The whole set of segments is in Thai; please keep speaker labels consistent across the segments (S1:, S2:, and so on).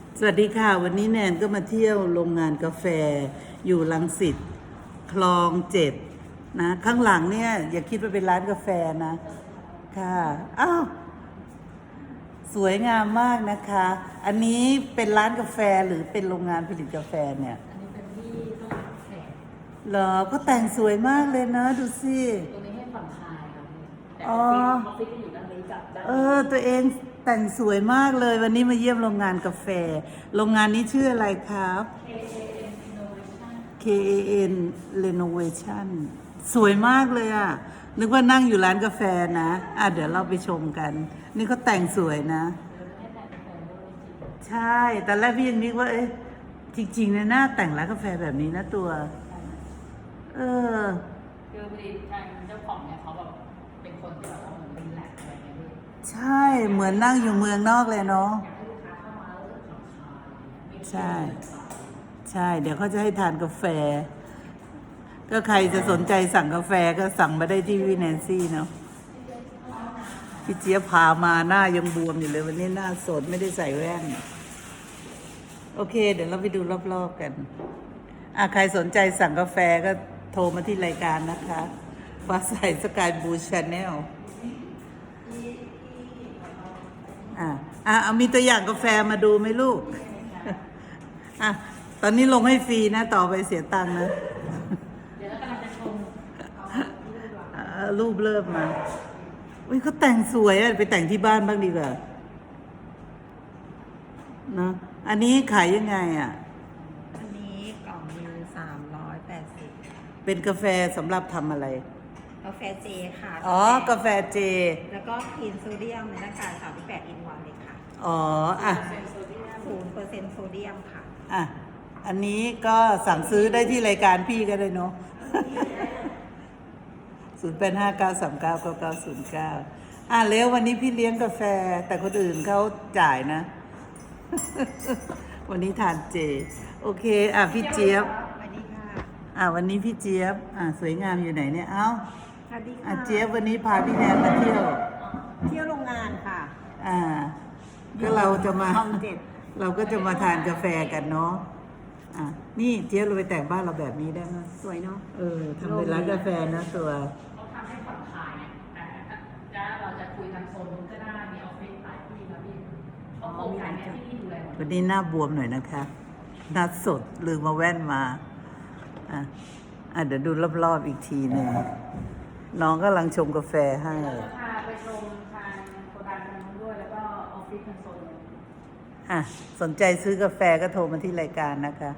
S1: สวัสดีค่ะวันนี้แนนก็มาเที่ยวโรงงานกาแฟอยู่รังสิตคลอง7นะข้างหลังเนี่ยอย่าคิดว่าเป็นร้านกาแฟนะค่ะอ้าวสวยงามมากนะคะ อันนี้เป็นร้านกาแฟหรือเป็นโรงงานผลิตกาแฟเนี่ย
S2: อันนี้เป็นที่ต้องรับแขก
S1: เหรอก็แต่งสวยมากเลยนะดูสิ
S2: ตัวนี้ให้ผ่อนคลายครับพี่แต่
S1: อ๋อ
S2: ออฟฟิศจะอยู่ด้านนี้กับด้าน
S1: ตัวเองแต่งสวยมากเลยวันนี้มาเยี่ยมโรงงานกาแฟโรงงานนี้ชื่ออะไรครับ KAN Renovation สวยมากเลยอ่ะนึกว่านั่งอยู่ร้านกาแฟนะเดี๋ยวเราไปชมกัน นี่เขาแต่งสวยนะ ใช่แต่แรกพี่ยังนึกว่าจริงๆนะหน้าแต่งร้านกาแฟแบบนี้นะตัวเออ
S2: คือพอดีทางเจ้าของเนี่ยเขาแบบเป็นคนที่แบบเหมือนเป็นแลกอะไรเงี้ยพี่
S1: ใช่เหมือนนั่งอยู่เมืองนอกเลยเนาะ
S2: อยากให้ลูกค้าเข้ามาแล้วรู้สึกผ่อนคลาย
S1: ใช่ใช่เดี๋ยวเขาจะให้ทานกาแฟก็ใครจะสนใจสั่งกาแฟก็สั่งมาได้ที่วินแนนซี่เนาะพี่เจี๊ยบพามาหน้ายังบวมอยู่เลยวันนี้หน้าสดไม่ได้ใส่แว่นโอเคเดี๋ยวเราไปดูรอบๆกันใครสนใจสั่งกาแฟก็โทรมาที่รายการนะคะฟ้าใสสกายบูชาแนลเอามีตัวอย่างกาแฟมาดูไหมลูกตอนนี้ลงให้ฟรีนะต่อไปเสียตังค์นะ
S2: เดี๋ยวเรากำลังจะชม
S1: รูปเริ่มมาอุ้ยเขาแต่งสวยไปแต่งที่บ้านบ้างดีกว่านะอันนี้ขายยังไง
S3: อันนี้กล่องนึง380
S1: เป็นกาแฟสำหรับทำอะไร
S3: กาแฟเจค่ะ
S1: กาแฟเจ
S3: แล้วก็คลีนโซเดียมในหน้ากาก38 อินวันเลยค่ะ0%โซเดียมค่ะ
S1: อันนี้ก็สั่งซื้อได้ที่รายการพี่ก็ได้เนาะ0859399909แล้ววันนี้พี่เลี้ยงกาแฟแต่คนอื่นเขาจ่ายนะ วันนี้ทานเจโอเคพี่เจี๊ยบ
S3: สวัสดีค่ะ
S1: วันนี้พี่เจี๊ยบสวยงามอยู่ไหนเนี่ย
S3: สวัสดีค่ะ
S1: เจี๊ยบวันนี้พาพี่แนนมาเที่ยว
S3: โรงงานค่ะ
S1: ก็เราจะมา
S3: คลอง7
S1: เราก็จะมาทานกาแฟกันเนาะนี่เจี๊ยบเราไปแต่งบ้านเราแบบนี้ได้ไหม
S3: สวยเนาะ
S1: ทำเป็นร้านกาแฟนะตัว
S2: เขาทำให้ผ่อนคลายแต่ถ้าเราจะคุยทางโซนนู้นก็ได้มีออฟฟิศหลายที่ครับพี่เขาโครงการเนี่ยที่นี่ดูแลหมด
S1: วันนี้หน้าบวมหน่อยนะคะหน้าสดลืมมาแว่นมาเดี๋ยวดูรอบๆอีกทีหนึ่งน้องกำลังชงกาแฟให้
S2: พาไปชมทางโครงการทางนู้นด้วยแล้วก็ออฟฟิศทางโซน
S1: สนใจซื้อกาแฟก็โทรมาที่รายการนะคะ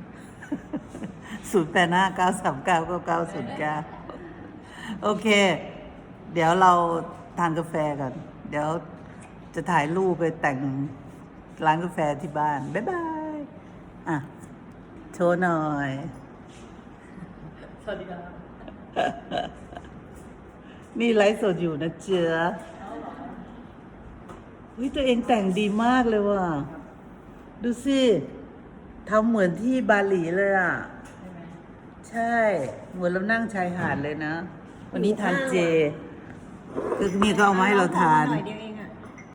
S1: 0859399909โอเคเดี๋ยวเราทานกาแฟกันเดี๋ยวจะถ่ายรูปไปแต่งร้านกาแฟที่บ้านบ๊ายบายโชว์หน่อย
S2: สวัสดีครับ
S1: นี่ไลฟ์สดอยู่นะเจ๊ตัวเองแต่งดีมากเลยว่ะดูสิทำเหมือนที่บาหลีเลยใช่เหมือนเรานั่งชายหาดเลยนะวันนี้ทานเจคือนี่ก็เอามาให้เราทาน
S3: หน่อยเดียว